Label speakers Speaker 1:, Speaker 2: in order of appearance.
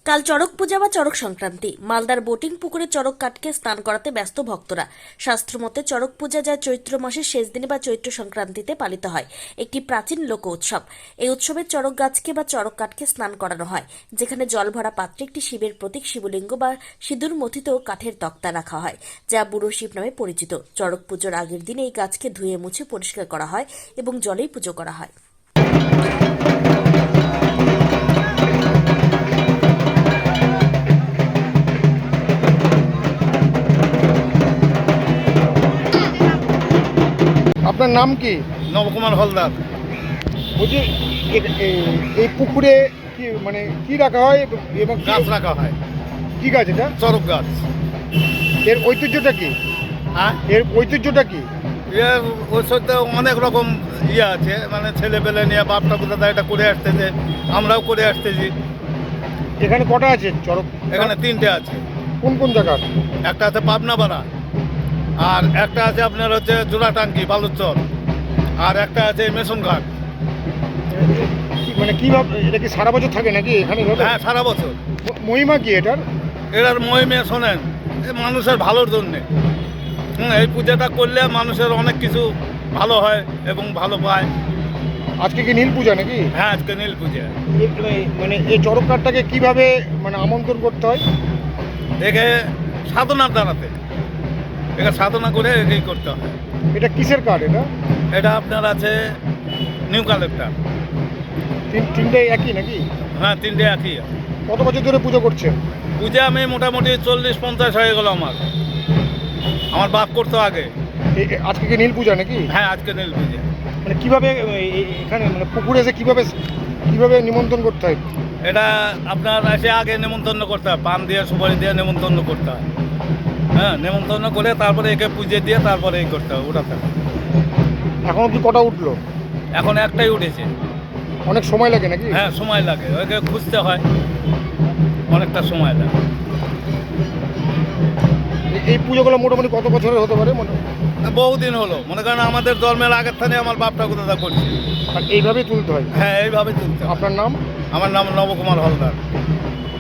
Speaker 1: কাল চড়ক পূজা বা চড়ক সংক্রান্তি। মালদার বোটিং পুকুরে চড়ক কাঠকে স্নান করাতে ব্যস্ত ভক্তরা। শাস্ত্রমতে চড়ক পূজা যা চৈত্র মাসের শেষ দিনে বা চৈত্র সংক্রান্তিতে পালিত হয়, একটি প্রাচীন লোক উৎসব। এই উৎসবে চড়ক গাছকে বা চড়ক কাঠকে স্নান করানো হয়, যেখানে জল ভরা পাত্রে একটি শিবের প্রতীক শিবলিঙ্গ বা সিঁদুর মথিত কাঠের তক্তা রাখা হয়, যা বুড়ো শিব নামে পরিচিত। চড়ক পুজোর আগের দিন এই গাছকে ধুয়ে মুছে পরিষ্কার করা হয় এবং জলেই পুজো করা হয়।
Speaker 2: আপনার নাম কি?
Speaker 3: নবকুমার হলদার।
Speaker 2: বলছি এই পুকুরে কি মানে কি রাখা হয় এবং
Speaker 3: গাছ রাখা হয়,
Speaker 2: কি গাছ এটা?
Speaker 3: চড়ক গাছ।
Speaker 2: এর ঐতিহ্যটা কি?
Speaker 3: হ্যাঁ,
Speaker 2: এর ঐতিহ্যটা কি?
Speaker 3: এর ওর সাথে অনেক রকম আছে, মানে ছেলেপেলে নিয়ে বাপটা কোথাও এটা করে আসতেছে, আমরাও করে আসতেছি।
Speaker 2: এখানে কটা আছে চড়ক?
Speaker 3: এখানে তিনটে আছে।
Speaker 2: কোন কোন জায়গার?
Speaker 3: একটা আছে পাবনাপাড়া, আর একটা আছে আপনার হচ্ছে জোড়াটাঙ্কি বালুচর, আর একটা আছে মেশনঘাট।
Speaker 2: মানে কিভাবে এটা কি সারা বছর থাকে নাকি এখানে?
Speaker 3: হ্যাঁ, সারা বছর।
Speaker 2: মহিমা কি এটার?
Speaker 3: এটার মহিমে শোনেন, মানুষের ভালোর জন্যে। এই পূজাটা করলে মানুষের অনেক কিছু ভালো হয় এবং ভালো পায়।
Speaker 2: আজকে কি নীল পূজা নাকি?
Speaker 3: হ্যাঁ, আজকে নীল পূজা।
Speaker 2: মানে এই চড়ক কাঠটাকে কিভাবে মানে আমন্ত্রণ করতে হয়?
Speaker 3: একে সাধনার দ্বারাতে, একে সাধনা করে একেই করতে হয়।
Speaker 2: এটা কিসের কাঠ এটা?
Speaker 3: এটা আপনার আছে নিউ কালেক্টর।
Speaker 2: তিনটে একই নাকি?
Speaker 3: হ্যাঁ, তিনটে একই।
Speaker 2: কত বছর ধরে পুজো করছেন?
Speaker 3: পূজা আমি মোটামুটি 40-50 হয়ে গেল। আমার বাপ করতো আগে।
Speaker 2: আজকে কি নীল পূজা নাকি?
Speaker 3: হ্যাঁ, আজকে নীল পূজা।
Speaker 2: মানে কিভাবে এখানে মানে পুকুরে এসে কিভাবে নিমন্ত্রণ করতে হয়?
Speaker 3: এটা আপনার এসে আগে নেমন্তন্ন করতে হয়, পান দিয়ে সুপারি দিয়ে নেমন্তন্ন করতে হয়। হ্যাঁ, নেমন্তন্ন করে তারপরে একে পুজো দিয়ে তারপরে এই করতে হয়, ওঠাতে হয়।
Speaker 2: এখন অব্দি কটা উঠলো?
Speaker 3: এখন একটাই উঠেছে।
Speaker 2: অনেক সময় লাগে নাকি?
Speaker 3: হ্যাঁ, সময় লাগে, ওকে খুঁজতে হয়, অনেকটা সময় লাগে।
Speaker 2: এই পুজোগুলো মোটামুটি কত বছরের হতে পারে মনে?
Speaker 3: বহুদিন হলো, মনে করেন আমাদের জন্মের আগের থেকে আমার বাপ ঠাকুরদা করছে।
Speaker 2: আর এইভাবেই তুলতে হয়?
Speaker 3: হ্যাঁ, এইভাবে তুলতে হয়।
Speaker 2: আপনার নাম?
Speaker 3: আমার নাম নবকুমার হলদার।